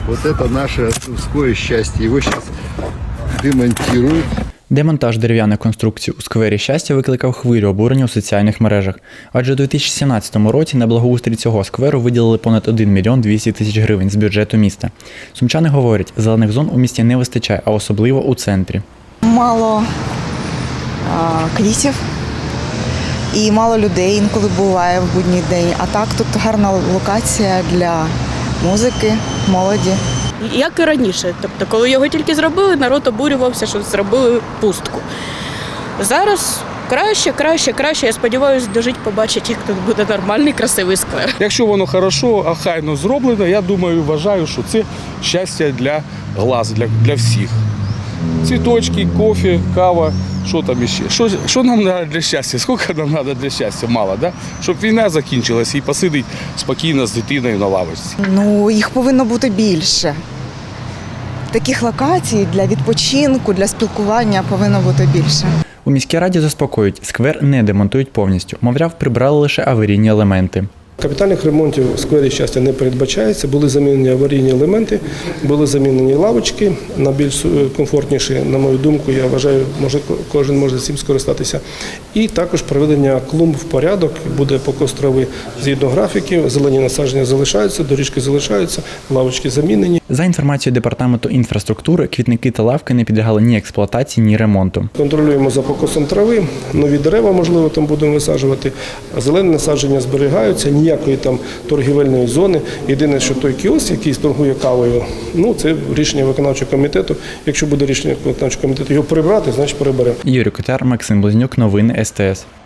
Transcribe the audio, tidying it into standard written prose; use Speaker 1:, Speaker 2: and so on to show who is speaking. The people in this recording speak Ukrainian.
Speaker 1: Вот это наше Тумское счастье. Его сейчас демонтируют.
Speaker 2: Демонтаж дерев'яних конструкцій у сквері Щастя викликав хвилю обурення у соціальних мережах. Адже у 2017 році на благоустрій цього скверу виділили понад 1 мільйон 200 тисяч гривень з бюджету міста. Сумчани говорять, зелених зон у місті не вистачає, а особливо у центрі.
Speaker 3: Мало квітів і мало людей інколи буває в будній день. А так тут гарна локація для музики, молоді.
Speaker 4: Як і раніше. Тобто, коли його тільки зробили, народ обурювався, що зробили пустку. Зараз краще. Я сподіваюся, дожить, побачить, як тут буде нормальний, красивий сквер.
Speaker 5: Якщо воно хорошо, охайно зроблено, я думаю, вважаю, що це щастя для глаз, для всіх. Цвіточки, кофе, кава, що там іще. Що нам треба для щастя? Скільки нам треба для щастя? Мало, да? Щоб війна закінчилась і посидить спокійно з дитиною на лавочці.
Speaker 3: Ну, їх повинно бути більше. Таких локацій для відпочинку, для спілкування повинно бути більше.
Speaker 2: У міській раді заспокоюють, сквер не демонтують повністю. Мовляв, прибрали лише аварійні елементи.
Speaker 6: Капітальних ремонтів у сквері Щастя не передбачається. Були замінені аварійні елементи, були замінені лавочки на більш комфортніші, на мою думку, я вважаю, кожен може цим скористатися. І також приведення клумб в порядок, буде покос трави згідно графіків, зелені насадження залишаються, доріжки залишаються, лавочки замінені.
Speaker 2: За інформацією Департаменту інфраструктури, квітники та лавки не підлягали ні експлуатації, ні ремонту.
Speaker 6: Контролюємо за покосом трави, нові дерева, можливо, там будемо висаджувати, а зелені насадження зберігаються, ніякої там торгівельної зони. Єдине, що той кіоск, який торгує кавою, ну це рішення виконавчого комітету. Якщо буде рішення виконавчого комітету його прибрати, значить приберемо.
Speaker 2: Юрій Котяр, Максим Близнюк, новини СТС.